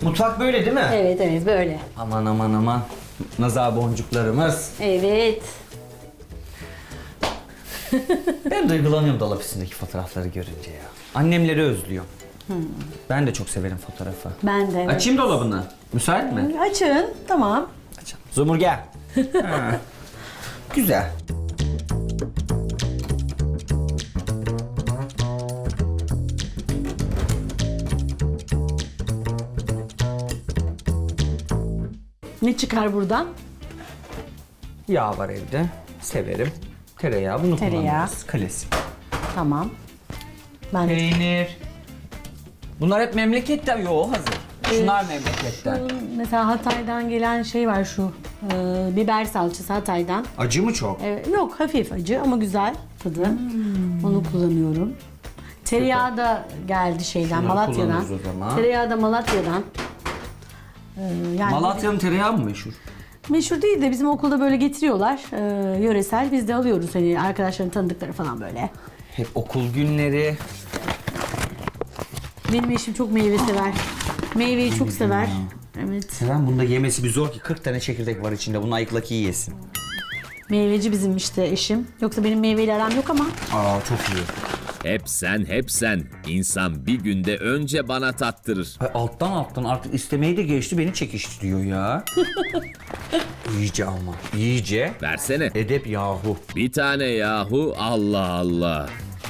Mutfak böyle değil mi? Evet evet böyle. Aman aman aman. Nazar boncuklarımız. Evet. Ben duygulanıyorum dolap üstündeki fotoğrafları görünce ya. Annemleri özlüyorum. Ben de çok severim fotoğrafı. Ben de. Evet. Açayım dolabını. Müsait mi? Açın. Tamam. Açalım. Zumur gel. Ha. Güzel. Ne çıkar buradan? Yağ var evde. Severim. Tereyağı bunu Tereyağı. kullanırız. Klasik. Tamam. Ben de Peynir. Bunlar hep memleketten. Yo hazır. Şunlar memleketten. mesela Hatay'dan gelen şey var şu biber salçası Hatay'dan. Acı mı çok? Yok hafif acı ama güzel tadı. Onu kullanıyorum. Tereyağı da geldi şeyden Şunları Malatya'dan. kullanırız o zaman. Tereyağı da Malatya'dan. Yani Malatya'nın tereyağı mı meşhur? meşhur değil de bizim okulda böyle getiriyorlar. Yöresel biz de alıyoruz hani arkadaşların tanıdıkları falan böyle. Hep okul günleri. Benim eşim çok meyve sever. Meyveyi çok sever. Evet. Seven bunda yemesi bir zor ki 40 tane çekirdek var içinde. Bunu ayıkla ki yesin. Meyveci bizim işte eşim. Yoksa benim meyveyle aram yok ama. Aa çok iyi. Hep sen. İnsan bir günde önce bana tattırır. Ay, alttan artık istemeyi de geçti beni çekiştiriyor ya. İyice ama. İyice. Versene. Edep yahu. Bir tane yahu, Allah Allah.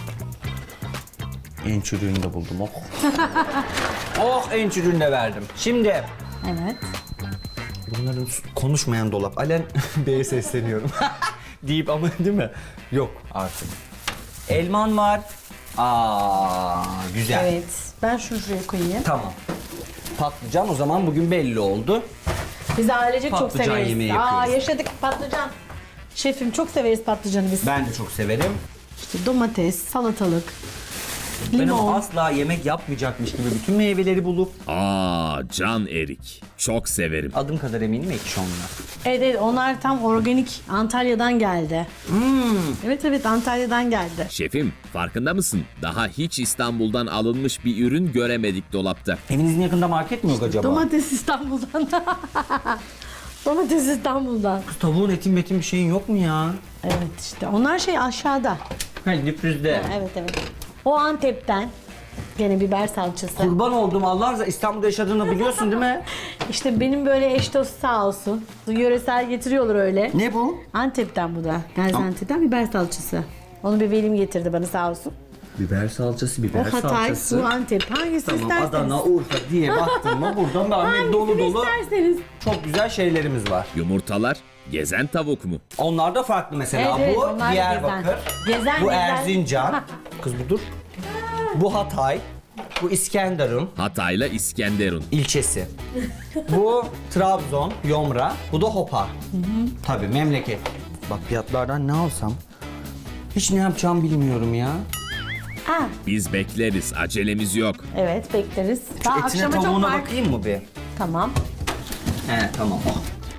En çürüğünü de buldum oh. Oh en çürüğünü de verdim. Şimdi Evet. bunların konuşmayan dolap. Alen B'ye sesleniyorum. Deyip ama değil mi? Yok artık. Elman var. Aa güzel. Evet. Ben şunu şuraya koyayım. Tamam. Patlıcan o zaman bugün belli oldu. Biz ailecek çok Patlıcan severiz. yemeği yapıyoruz. Yaşadık patlıcan. Şefim çok severiz patlıcanı biz. Ben de çok severim. İşte domates, salatalık, Benim limon. asla yemek yapmayacakmış gibi bütün meyveleri bulup Can erik. Çok severim. adım kadar eminim ekşi onlar. Evet, evet onlar tam organik Antalya'dan geldi. Evet evet Antalya'dan geldi. Şefim, farkında mısın? Daha hiç İstanbul'dan alınmış bir ürün göremedik dolapta. Evinizin yakında market mi yok acaba? Domates İstanbul'dan. Domates İstanbul'dan. Kız tavuğun etin metin bir şeyin yok mu ya? Evet işte onlar şey aşağıda. Ha diprizde. Evet evet. O Antep'ten. Gene biber salçası. Kurban oldum Allah razı İstanbul'da yaşadığını biliyorsun değil mi? İşte benim böyle eş dost sağ olsun. Yöresel getiriyorlar öyle. Ne bu? Antep'ten bu da. Gaziantep'ten biber salçası. Onu bir velim getirdi bana sağ olsun. Biber salçası, biber O Hatay, bu Antep. Hangisi Tamam isterseniz. Adana, Urfa diye baktın mı buradan da Ahmet dolu Hangisini dolu isterseniz. çok güzel şeylerimiz var. Yumurtalar, gezen tavuk mu? Onlar da farklı mesela. Evet, evet, Bu onlar da Diyarbakır, gezen. bu Gezen. Erzincan. Kız bu dur. Bu Hatay, bu İskenderun Hatay'la İskenderun. ilçesi. Bu Trabzon, Yomra, bu da Hopa. Tabii memleket. Bak fiyatlardan ne alsam? Hiç ne yapacağımı bilmiyorum ya. Ha, Biz bekleriz, acelemiz yok. evet bekleriz. Şu Daha etine akşama çok tavuğuna var. bakayım mı bir? Tamam. He tamam. Oh.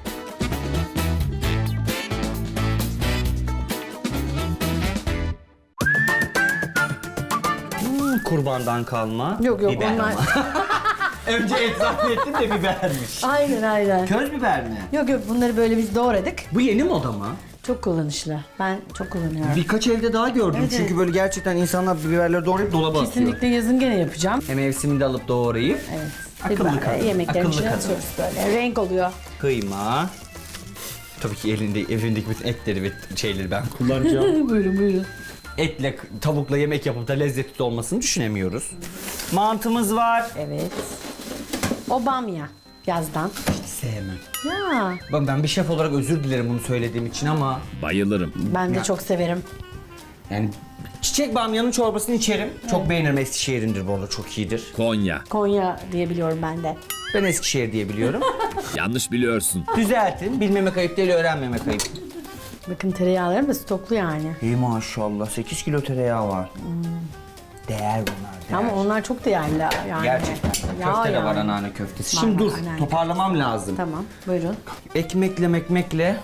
Kurbandan kalma. Yok yok biber onlar. ama. Önce et zannettim de bibermiş. Aynen aynen. Köz biber mi? Yok yok bunları böyle biz doğradık. Bu yeni moda mı? Çok kullanışlı. Ben çok kullanıyorum. Birkaç evde daha gördüm Evet, çünkü evet. böyle gerçekten insanlar biberleri doğrayıp dolaba atıyor. Kesinlikle yazın gene yapacağım. Mevsiminde alıp doğrayıp Evet. Akıllı Biber, kadın, yemeklerin akıllı içine kadın. atıyoruz böyle. Renk oluyor. kıyma. Tabii ki evindeki bütün etleri ve şeyleri ben kullanacağım. Buyurun buyurun. Etle, tavukla yemek yapıp da lezzetli olmasını düşünemiyoruz. Mantımız var. Evet. O bamya yazdan. Hiç sevmem. Ya Ben bir şef olarak özür dilerim bunu söylediğim için ama Bayılırım. ben de çok severim. yani çiçek bamyanın çorbasını içerim. Çok beğenirim. Eskişehir'indir bu arada çok iyidir. Konya. Konya diye biliyorum ben de. Ben Eskişehir diye biliyorum. Yanlış biliyorsun. Düzeltin. Bilmemek ayıp değil, öğrenmemek ayıp. Bakın tereyağlarım da stoklu yani. İyi maşallah. 8 kilo tereyağı var. Değer bunlar. Değer. Ama onlar çok değerli yani. Gerçekten. Yağ Köfte de var yani. anneanne köftesi. Var, Şimdi var, dur. anneanne. Toparlamam lazım. Tamam buyurun. Ekmekle.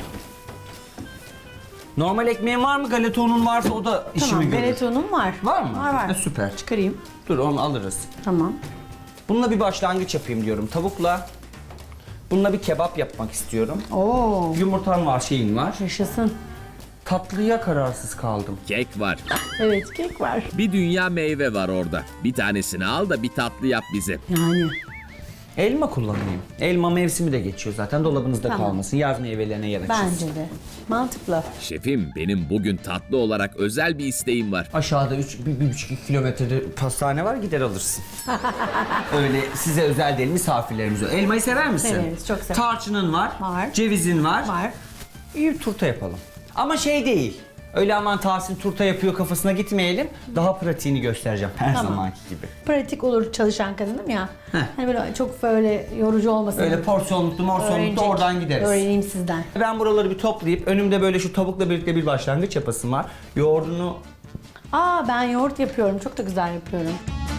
Normal ekmeğin var mı? Galeta unun varsa o da işimi Tamam görür. galetonum var. Var mı? Var var. Ha, süper. Çıkarayım. Dur onu alırız. Tamam. Bununla bir başlangıç yapayım diyorum tavukla. Bununla bir kebap yapmak istiyorum. Oo, Yumurtan var, şeyin var. yaşasın. Tatlıya kararsız kaldım. Kek var. Evet, kek var. Bir dünya meyve var orada. Bir tanesini al da bir tatlı yap bize. Yani. Elma kullanayım. Elma mevsimi de geçiyor zaten, dolabınızda Tamam. kalmasın. Yaz meyvelerine yer açılsın. Bence de. Mantıklı. Şefim, benim bugün tatlı olarak özel bir isteğim var. Aşağıda 1,5 kilometrede pastane var, gider alırsın. Öyle size özel değil, misafirlerimize. Elmayı sever misin? Severiz, çok severim. Tarçının var. Var. Cevizin var. Var. İyi turta yapalım. Ama şey değil. Öyle aman Tahsin turta yapıyor kafasına gitmeyelim. Daha pratiğini göstereceğim her Tamam. zamanki gibi. Pratik olur çalışan kadınım ya. Heh. Hani böyle çok böyle yorucu olmasın. Öyle porsiyonluklu morsiyonluklu Öğrenecek. oradan gideriz. Öğreneyim sizden. Ben buraları bir toplayıp önümde böyle şu tavukla birlikte bir başlangıç yapasım var. Yoğurdunu Aa, ben yoğurt yapıyorum. Çok da güzel yapıyorum.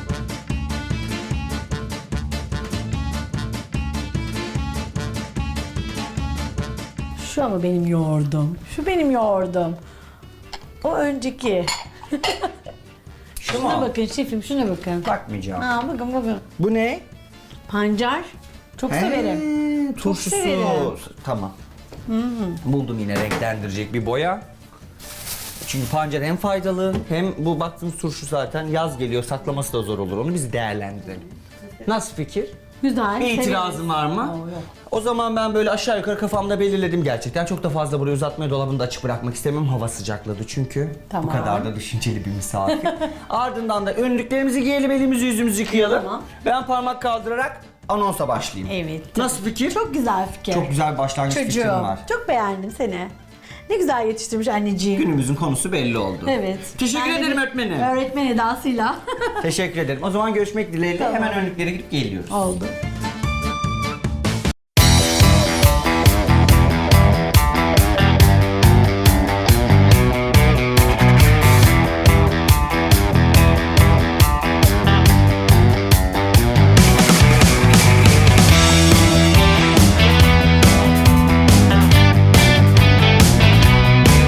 Şu ama benim yoğurdum. Şu benim yoğurdum. O önceki. şu Şuna mu? bakın şefim, şuna bakın. Bakmayacağım. Aa, bakın. Bu ne? Pancar. Çok severim. Turşusu. severim. Tamam. Buldum yine renklendirecek bir boya. Çünkü pancar hem faydalı hem bu baktığımız turşu zaten yaz geliyor, saklaması da zor olur, onu biz değerlendirelim. Nasıl fikir? Güzel. Bir severim. itirazın var mı? Oo, yok. O zaman ben böyle aşağı yukarı kafamda belirledim gerçekten. Çok da fazla burayı uzatmaya, dolabını da açık bırakmak istemiyorum. Hava sıcakladı çünkü. Tamam. Bu kadar da düşünceli bir misafir. Ardından da önlüklerimizi giyelim, elimizi yüzümüzü yıkayalım. Tamam. Ben parmak kaldırarak anonsa başlayayım. Evet. Nasıl fikir? Çok güzel fikir. Çok güzel bir başlangıç fikrim Çocuğum. var. Çok beğendim seni. Ne güzel yetiştirmiş anneciğim. Günümüzün konusu belli oldu. Evet. Teşekkür Ben de ederim bir öğretmenim. Öğretmen edasıyla. Teşekkür ederim. O zaman görüşmek dileğiyle. Tamam. Hemen önlüklere gidip geliyoruz. Oldu.